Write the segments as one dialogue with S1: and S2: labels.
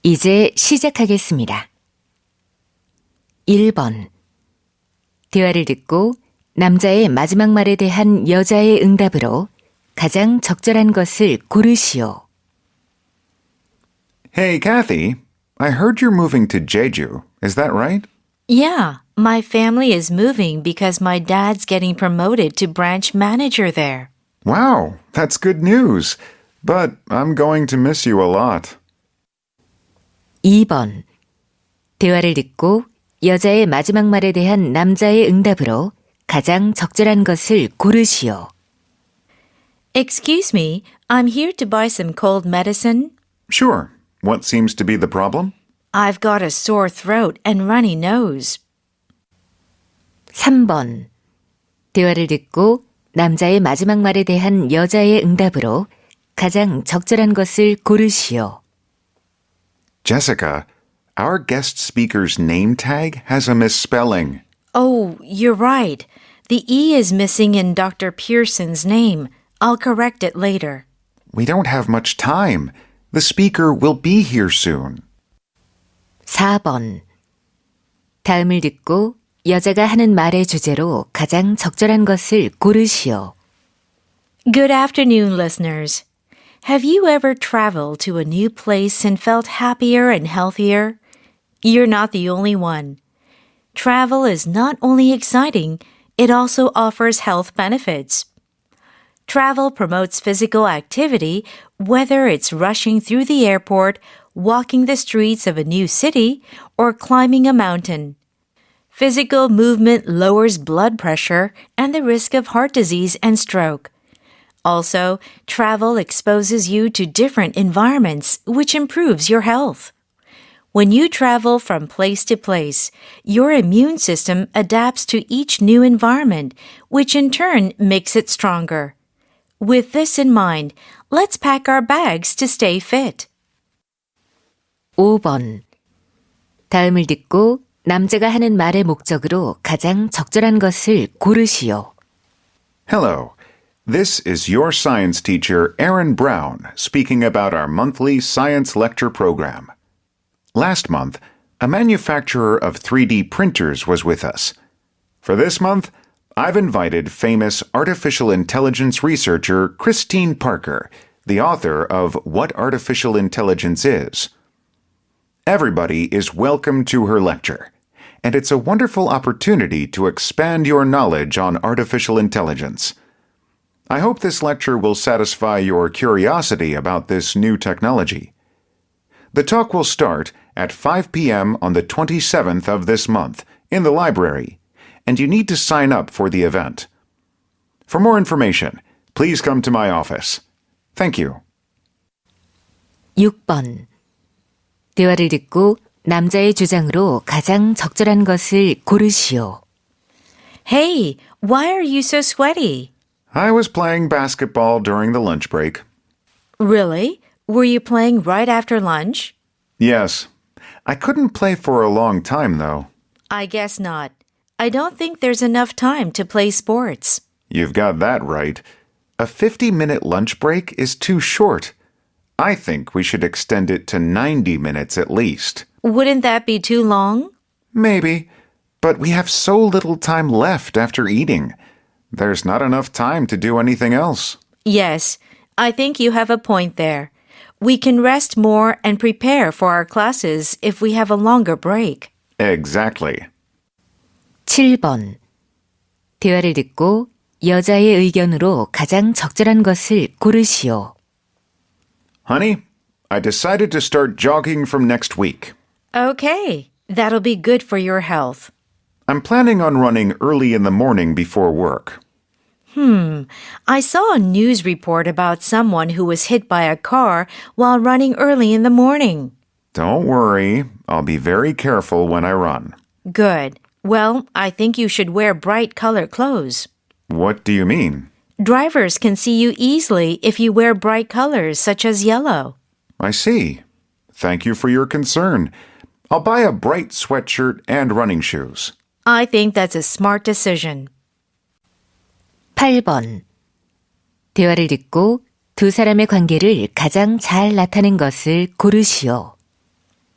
S1: 이제 시작하겠습니다. 1번. 대화를 듣고 남자의 마지막 말에 대한 여자의 응답으로 가장 적절한 것을 고르시오.
S2: Hey, Kathy, I heard you're moving to Jeju. Is that right?
S3: Yeah, my family is moving because my dad's getting promoted to branch manager there.
S2: Wow, that's good news. But I'm going to miss you a lot.
S1: 2번. 대화를 듣고 여자의 마지막 말에 대한 남자의 응답으로 가장 적절한 것을 고르시오.
S3: Excuse me, I'm here to buy some cold medicine.
S2: Sure. What seems to be the problem?
S3: I've got a sore throat and runny nose.
S1: 3번. 대화를 듣고 남자의 마지막 말에 대한 여자의 응답으로 가장 적절한 것을 고르시오.
S2: Jessica, our guest speaker's name tag has a misspelling.
S3: Oh, you're right. The E is missing in Dr. Pearson's name. I'll correct it later.
S2: We don't have much time. The speaker will be here soon.
S1: 4번. 다음을 듣고 여자가 하는 말의 주제로 가장 적절한 것을 고르시오.
S3: Good afternoon, listeners. Have you ever traveled to a new place and felt happier and healthier? You're not the only one. Travel is not only exciting, it also offers health benefits. Travel promotes physical activity, whether it's rushing through the airport, walking the streets of a new city, or climbing a mountain. Physical movement lowers blood pressure and the risk of heart disease and stroke. Also, travel exposes you to different environments, which improves your health. When you travel from place to place, your immune system adapts to each new environment, which in turn makes it stronger. With this in mind, let's pack our bags to stay fit.
S1: 5번. 다음을 듣고 남자가 하는 말의 목적으로 가장 적절한 것을 고르시오.
S2: Hello. This is your science teacher, Aaron Brown, speaking about our monthly science lecture program. Last month, a manufacturer of 3D printers was with us. For this month, I've invited famous artificial intelligence researcher Christine Parker, the author of What Artificial Intelligence Is. Everybody is welcome to her lecture, and it's a wonderful opportunity to expand your knowledge on artificial intelligence. I hope this lecture will satisfy your curiosity about this new technology. The talk will start at 5 p.m. on the 27th of this month in the library, and you need to sign up for the event. For more information, please come to my office. Thank you.
S1: 6번. 대화를 듣고 남자의 주장으로 가장 적절한 것을 고르시오.
S3: Hey, why are you so sweaty?
S2: I was playing basketball during the lunch break.
S3: Really? Were you playing right after lunch?
S2: Yes. I couldn't play for a long time, though.
S3: I guess not. I don't think there's enough time to play sports.
S2: You've got that right. A 50-minute lunch break is too short. I think we should extend it to 90 minutes at least.
S3: Wouldn't that be too long?
S2: Maybe. But we have so little time left after eating. There's not enough time to do anything else.
S3: Yes, I think you have a point there. We can rest more and prepare for our classes if we have a longer break.
S2: Exactly.
S1: 7번. 대화를 듣고 여자의 의견으로 가장 적절한 것을 고르시오.
S2: Honey, I decided to start jogging from next week.
S3: Okay, that'll be good for your health.
S2: I'm planning on running early in the morning before work.
S3: I saw a news report about someone who was hit by a car while running early in the morning.
S2: Don't worry, I'll be very careful when I run.
S3: Good. Well, I think you should wear bright colored clothes.
S2: What do you mean?
S3: Drivers can see you easily if you wear bright colors such as yellow.
S2: I see. Thank you for your concern. I'll buy a bright sweatshirt and running shoes.
S3: I think that's a smart decision.
S1: 8번. 대화를 듣고 두 사람의 관계를 가장 잘 나타낸 것을 고르시오.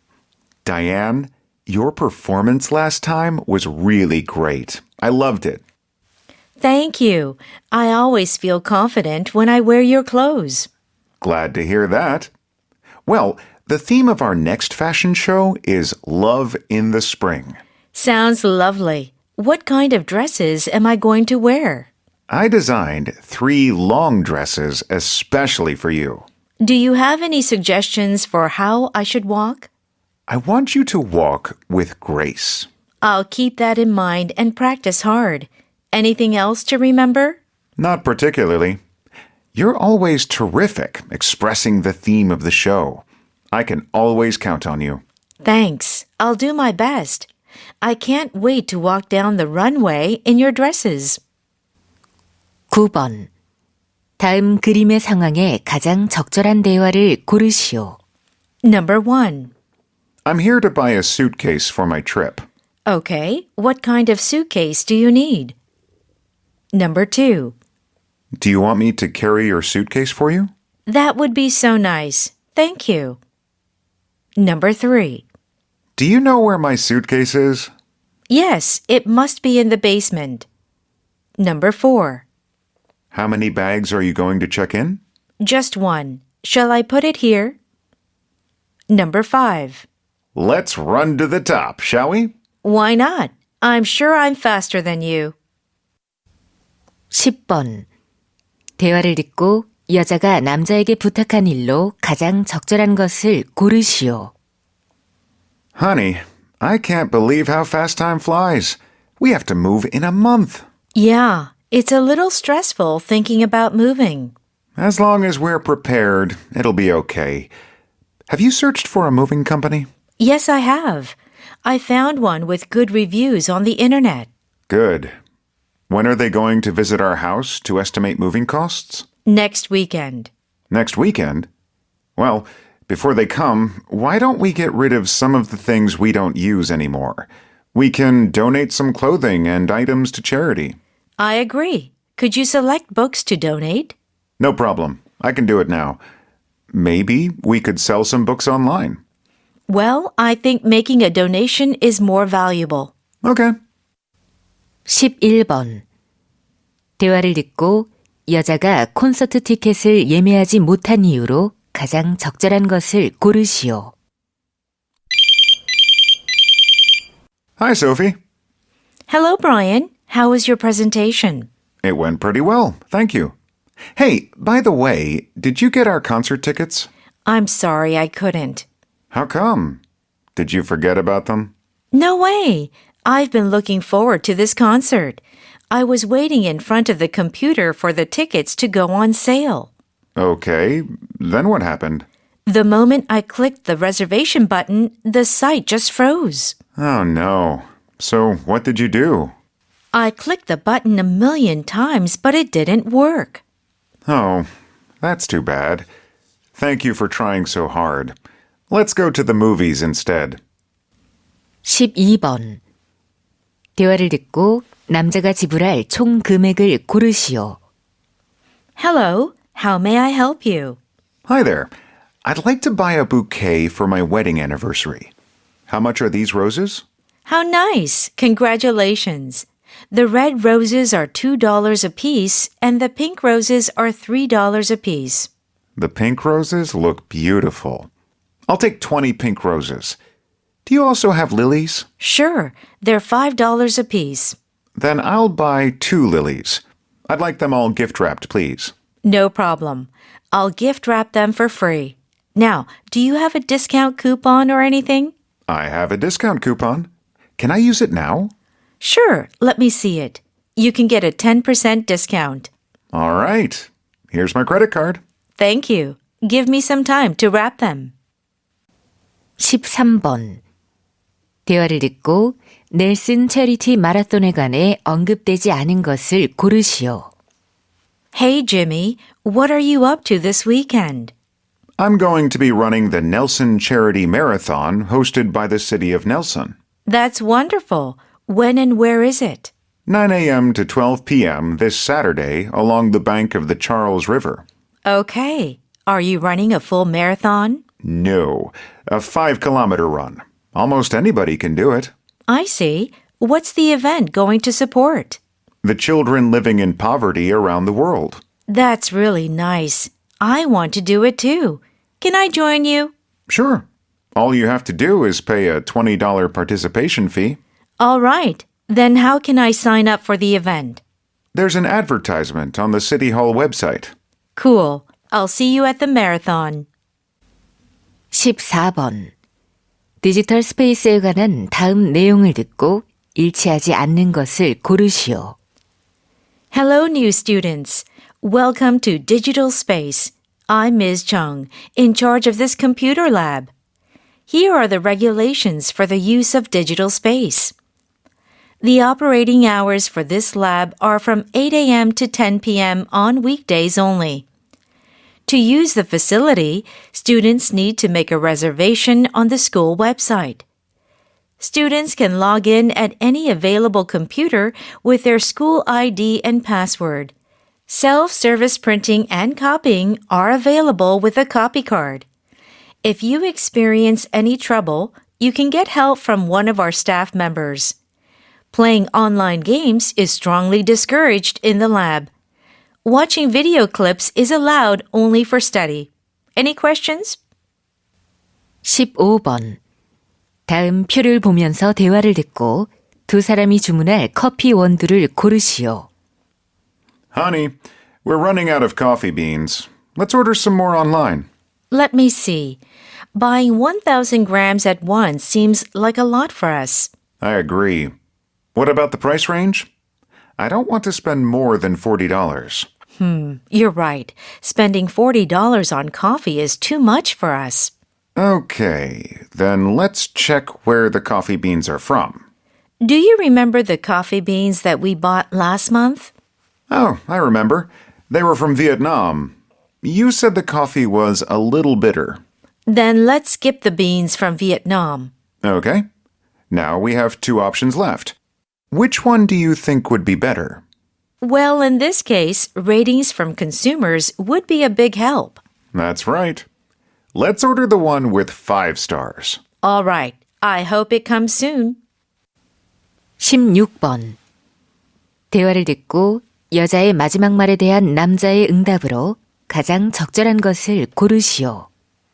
S2: Diane, your performance last time was really great. I loved it.
S3: Thank you. I always feel confident when I wear your clothes.
S2: Glad to hear that. Well, the theme of our next fashion show is Love in the Spring.
S3: Sounds lovely. What kind of dresses am I going to wear?
S2: I designed 3 long dresses especially for you.
S3: Do you have any suggestions for how I should walk?
S2: I want you to walk with grace.
S3: I'll keep that in mind and practice hard. Anything else to remember?
S2: Not particularly. You're always terrific expressing the theme of the show. I can always count on you.
S3: Thanks. I'll do my best. I can't wait to walk down the runway in your dresses.
S1: 9번. 다음 그림의 상황에 가장 적절한 대화를 고르시오.
S3: Number 1.
S2: I'm here to buy a suitcase for my trip.
S3: Okay, what kind of suitcase do you need? Number 2.
S2: Do you want me to carry your suitcase for you?
S3: That would be so nice. Thank you. Number 3.
S2: Do you know where my suitcase is?
S3: Yes, it must be in the basement. Number 4.
S2: How many bags are you going to check in?
S3: Just 1. Shall I put it here? Number 5.
S2: Let's run to the top, shall we?
S3: Why not? I'm sure I'm faster than you.
S1: 10번. 대화를 듣고 여자가 남자에게 부탁한 일로 가장 적절한 것을 고르시오.
S2: Honey, I can't believe how fast time flies. We have to move in a month.
S3: Yeah, it's a little stressful thinking about moving.
S2: As long as we're prepared, it'll be okay. Have you searched for a moving company?
S3: Yes, I have. I found one with good reviews on the internet.
S2: Good. When are they going to visit our house to estimate moving costs?
S3: Next weekend.
S2: Next weekend? Well, before they come, why don't we get rid of some of the things we don't use anymore? We can donate some clothing and items to charity.
S3: I agree. Could you select books to donate?
S2: No problem. I can do it now. Maybe we could sell some books online.
S3: Well, I think making a donation is more valuable.
S2: Okay.
S1: 11번. 대화를 듣고 여자가 콘서트 티켓을 예매하지 못한 이유로 가장 적절한 것을 고르시오.
S2: Hi, Sophie.
S3: Hello, Brian. How was your presentation?
S2: It went pretty well, thank you. Hey, by the way, did you get our concert tickets?
S3: I'm sorry I couldn't.
S2: How come? Did you forget about them?
S3: No way. I've been looking forward to this concert. I was waiting in front of the computer for the tickets to go on sale.
S2: Okay, then what happened?
S3: The moment I clicked the reservation button, the site just froze.
S2: Oh no. So what did you do?
S3: I clicked the button a million times, but it didn't work.
S2: Oh, that's too bad. Thank you for trying so hard. Let's go to the movies instead.
S1: 12번. 대화를 듣고 남자가 지불할 총 금액을 고르시오.
S3: Hello, how may I help you?
S2: Hi there. I'd like to buy a bouquet for my wedding anniversary. How much are these roses?
S3: How nice! Congratulations! The red roses are $2 a piece, and the pink roses are $3 a piece.
S2: The pink roses look beautiful. I'll take 20 pink roses. Do you also have lilies?
S3: Sure, they're $5 a piece.
S2: Then I'll buy 2 lilies. I'd like them all gift-wrapped, please.
S3: No problem. I'll gift wrap them for free. Now, do you have a discount coupon or anything?
S2: I have a discount coupon. Can I use it now?
S3: Sure, let me see it. You can get a 10% discount.
S2: All right. Here's my credit card.
S3: Thank you. Give me some time to wrap them.
S1: 13번. 대화를 듣고 넬슨 체리티 마라톤에 관해 언급되지 않은 것을 고르시오.
S3: Hey, Jimmy, what are you up to this weekend?
S2: I'm going to be running the Nelson Charity Marathon hosted by the city of Nelson.
S3: That's wonderful. When and where is it?
S2: 9 a.m. to 12 p.m. this Saturday along the bank of the Charles River.
S3: Okay. Are you running a full marathon?
S2: No, a 5-kilometer run. Almost anybody can do it.
S3: I see. What's the event going to support?
S2: The children living in poverty around the world.
S3: That's really nice. I want to do it too. Can I join you?
S2: Sure. All you have to do is pay a $20 participation fee.
S3: All right. Then how can I sign up for the event?
S2: There's an advertisement on the City Hall website.
S3: Cool. I'll see you at the marathon.
S1: 14번. 디지털 스페이스에 관한 다음 내용을 듣고 일치하지 않는 것을 고르시오.
S3: Hello, new students. Welcome to Digital Space. I'm Ms. Chung, in charge of this computer lab. Here are the regulations for the use of digital space. The operating hours for this lab are from 8 a.m. to 10 p.m. on weekdays only. To use the facility, students need to make a reservation on the school website. Students can log in at any available computer with their school ID and password. Self-service printing and copying are available with a copy card. If you experience any trouble, you can get help from one of our staff members. Playing online games is strongly discouraged in the lab. Watching video clips is allowed only for study. Any questions?
S1: 15번. 다음 표를 보면서 대화를 듣고 두 사람이 주문할 커피 원두를 고르시오.
S2: Honey, we're running out of coffee beans. Let's order some more online.
S3: Let me see. Buying 1,000 grams at once seems like a lot for us.
S2: I agree. What about the price range? I don't want to spend more than $40.
S3: You're right. Spending $40 on coffee is too much for us.
S2: Okay, then let's check where the coffee beans are from.
S3: Do you remember the coffee beans that we bought last month?
S2: Oh, I remember. They were from Vietnam. You said the coffee was a little bitter.
S3: Then let's skip the beans from Vietnam.
S2: Okay. Now we have two options left. Which one do you think would be better?
S3: Well, in this case, ratings from consumers would be a big help.
S2: That's right. Let's order the one with 5 stars.
S3: All right. I hope it comes soon.
S1: 16번. 대화를 듣고 여자의 마지막 말에 대한 남자의 응답으로 가장 적절한 것을 고르시오.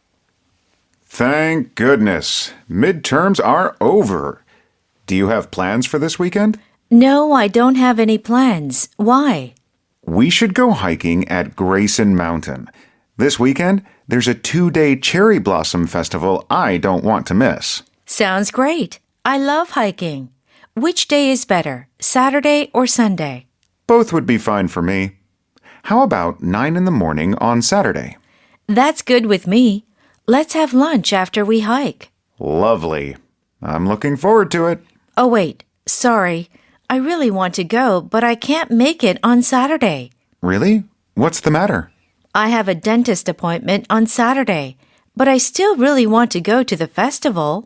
S2: Thank goodness. Midterms are over. Do you have plans for this weekend?
S3: No, I don't have any plans. Why?
S2: We should go hiking at Grayson Mountain. This weekend, there's a 2-day cherry blossom festival I don't want to miss.
S3: Sounds great. I love hiking. Which day is better, Saturday or Sunday?
S2: Both would be fine for me. How about 9 in the morning on Saturday?
S3: That's good with me. Let's have lunch after we hike.
S2: Lovely. I'm looking forward to it.
S3: Oh, wait. Sorry. I really want to go, but I can't make it on Saturday.
S2: Really? What's the matter?
S3: I have a dentist appointment on Saturday, but I still really want to go to the festival.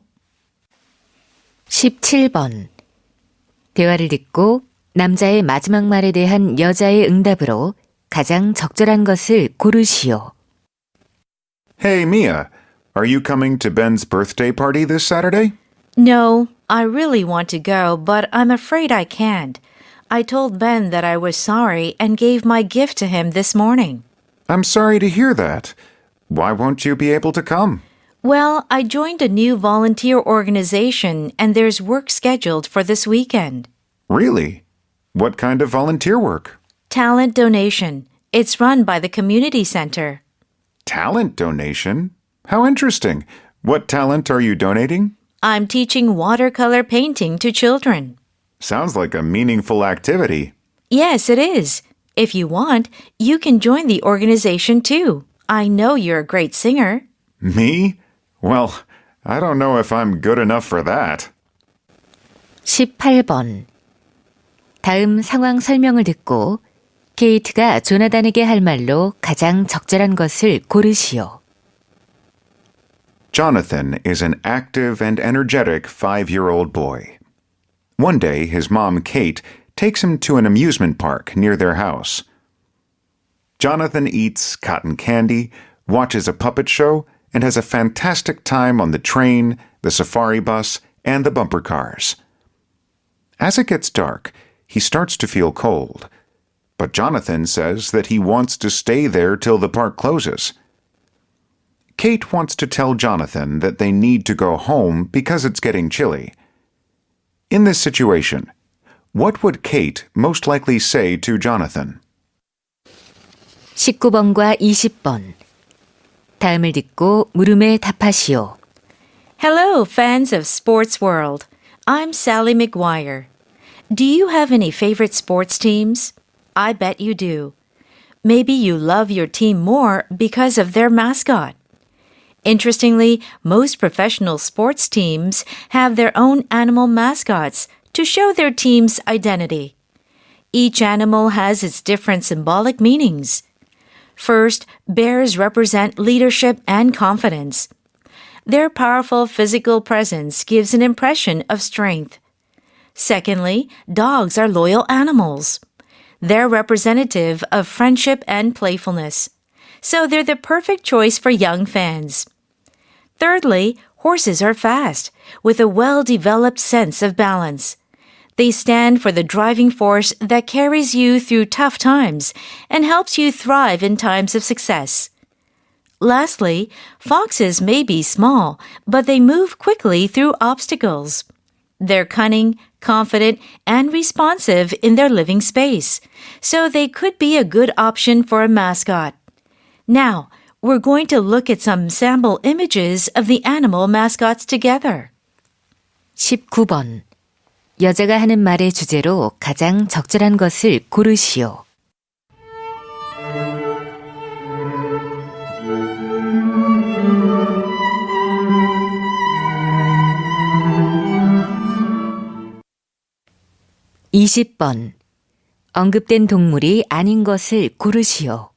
S1: 17번. 대화를 듣고 남자의 마지막 말에 대한 여자의 응답으로 가장 적절한 것을 고르시오.
S2: Hey, Mia. Are you coming to Ben's birthday party this Saturday?
S3: No, I really want to go, but I'm afraid I can't. I told Ben that I was sorry and gave my gift to him this morning.
S2: I'm sorry to hear that. Why won't you be able to come?
S3: Well, I joined a new volunteer organization and there's work scheduled for this weekend.
S2: Really? What kind of volunteer work?
S3: Talent donation. It's run by the community center.
S2: Talent donation? How interesting. What talent are you donating?
S3: I'm teaching watercolor painting to children.
S2: Sounds like a meaningful activity.
S3: Yes, it is. If you want, you can join the organization too. I know you're a great singer.
S2: Me? Well, I don't know if I'm good enough for that.
S1: 18번. 다음 상황 설명을 듣고 케이트가 조나단에게 할 말로 가장 적절한 것을 고르시오.
S2: Jonathan is an active and energetic 5-year-old boy. One day, his mom, Kate, takes him to an amusement park near their house. Jonathan eats cotton candy, watches a puppet show, and has a fantastic time on the train, the safari bus, and the bumper cars. As it gets dark, he starts to feel cold, but Jonathan says that he wants to stay there till the park closes. Kate wants to tell Jonathan that they need to go home because it's getting chilly. In this situation, what would Kate most likely say to Jonathan?
S1: 19번과 20번. 다음을 듣고 물음에 답하시오.
S3: Hello, fans of Sports World. I'm Sally McGuire. Do you have any favorite sports teams? I bet you do. Maybe you love your team more because of their mascot. Interestingly, most professional sports teams have their own animal mascots to show their team's identity. Each animal has its different symbolic meanings. First, bears represent leadership and confidence. Their powerful physical presence gives an impression of strength. Secondly, dogs are loyal animals. They're representative of friendship and playfulness, so they're the perfect choice for young fans. Thirdly, horses are fast, with a well-developed sense of balance. They stand for the driving force that carries you through tough times and helps you thrive in times of success. Lastly, foxes may be small, but they move quickly through obstacles. They're cunning, confident, and responsive in their living space, so they could be a good option for a mascot. Now, we're going to look at some sample images of the animal mascots together.
S1: 19번. 여자가 하는 말의 주제로 가장 적절한 것을 고르시오. (20번) 언급된 동물이 아닌 것을 고르시오.